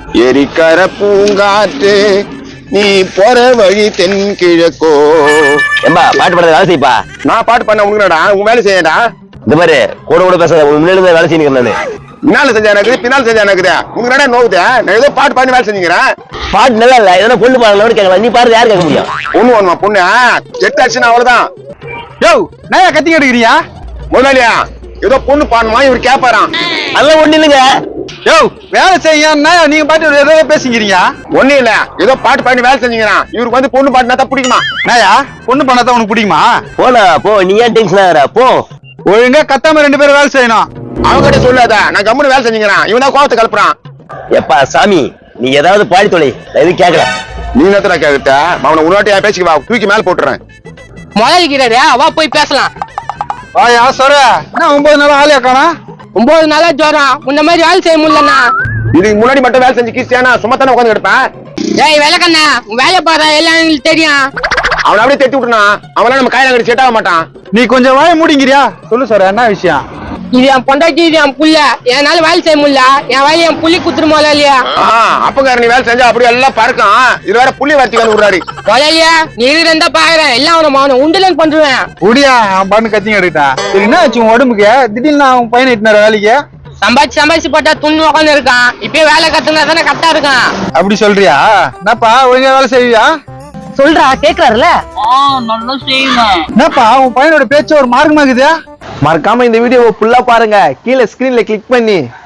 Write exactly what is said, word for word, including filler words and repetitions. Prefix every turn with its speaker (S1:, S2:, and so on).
S1: எரிக்கர பூங்காற்று நீ போற வழி தென் கிழக்கோ.
S2: ஏம்பா பாட்டு பாடுறது வேலை செய்ப்பா.
S1: நான் பாட்டு பண்ண உனக்குடா உன் வேலை செய்யடா.
S2: இந்த மாதிரி கூட கூட பேசாத, முன்னாடி வேலை செய்யுங்க. நானு
S1: பின்னால செஞ்சா எனக்கு பின்னால் செஞ்சா எனக்கு உங்க நோவுத. நான் ஏதோ பாட்டு பண்ணி வேலை செஞ்சுக்கிறேன்.
S2: பாட்டு நல்லா இல்ல, எதனா பொண்ணு பாடலாம் கேட்கலாம். நீ பாரு, யாரு கேட்க முடியும்?
S1: பொண்ணு வேணுமா? பொண்ணு எட்டு ஆச்சுன்னா அவ்வளவுதான்.
S3: யோ நான் கத்தி எடுக்கிறியா
S1: முதலாளியா? ஏதோ பொண்ணு பாடணுமா இவர் கேப்பாராம்.
S2: அதெல்லாம் ஒண்ணு இல்லைங்க.
S3: யோ வேலை செய்ய நீங்க பாட்டு ஏதோ பேசிக்கிறீங்க.
S1: ஒண்ணு இல்ல, ஏதோ பாட்டு பண்ணி வேலை செஞ்சுக்கிறான். இவருக்கு வந்து பொண்ணு பாட்டுனா தான் பிடிக்குமா?
S3: நாயா பொண்ணு பண்ணாதான் உனக்கு பிடிக்குமா?
S2: போனா போ, நீ ஏன் டென்ஷன் ஆகுற? போ.
S3: ஒழுங்கா கத்தாம ரெண்டு பேரும் வேலை செய்யணும்.
S1: அவங்ககிட்ட சொல்லாத, நான் கம்முன்னு வேலை செஞ்சுக்கிறேன். இவன் தான் கோவத்தை கலப்புறான்.
S2: எப்பா சாமி, நீ ஏதாவது பாடி தொலை, எதுவும் கேட்கல.
S1: நீ நேரத்துல கேட்ட அவனை உன்னாட்டி பேசிக்க வா, தூக்கி மேல போட்டுறேன்.
S4: முதலிக்கிறாரு, வா போய் பேசலாம்.
S3: வாயா சொல்ற என்ன ஒன்பது நாள் ஆளியா காணா?
S4: ஒன்பது நாளா ஜோரம், முன்ன மாதிரி வேலை செய்ய முடியலண்ணா.
S1: இதுக்கு முன்னாடி மட்டும் வேலை செஞ்சு கீசியானா சும்மா தானே உட்காந்து கிடப்பேன்.
S4: ஏய் விளக்கண்ணா, உன் வேலை பாரு, எல்லாம் எங்களுக்கு தெரியும்.
S1: அவனை அப்படியே தட்டி விட்டுனா அவனா நம்ம கையில கட்டி செட் ஆக மாட்டான்.
S3: நீ கொஞ்சம் வாய மூடிங்கிறியா? சொல்லு சொல்ற என்ன விஷயம்?
S4: இது என் பொண்டாட்டி, இது என் புள்ள. என்னால வேலை செய்ய முடியல. என் வேலையை என் புள்ளி குத்துருமோல இல்லையா?
S1: அப்பக்கார நீ வேலை செஞ்சா அப்படியே எல்லாம் பறக்கும். இது வேற புள்ளி வர்த்திக்கான விடுறாரு.
S4: முதலியா நீ இருந்தா பாக்குறேன், எல்லாம் அவனை அவனை உண்டுலன்னு பண்றேன்.
S3: முடியா அவன் பண்ணு கத்திங்க எடுக்கிட்டான். சரி என்ன ஆச்சு உன் உடம்புக்கு? திடீர்னு அவன் பையனை இட்டுனார வேலைக்கு?
S4: சம்பாதிச்சு சம்பாதிச்சு போட்டா துண்ணு உட்காந்து இருக்கான். இப்பயே வேலை கத்துனா தானே கரெக்டா இருக்கான்.
S3: அப்படி சொல்றியா? என்னப்பா ஒழுங்கா வேலை செய்வியா?
S4: சொல்றா கேக்குறாருல.
S3: என்னப்பா உன் பையனோட பேச்சு ஒரு மார்க்கமாக்குது.
S5: மறக்காம இந்த வீடியோவை ஃபுல்லா பாருங்க. கீழே ஸ்கிரீன்ல கிளிக் பண்ணி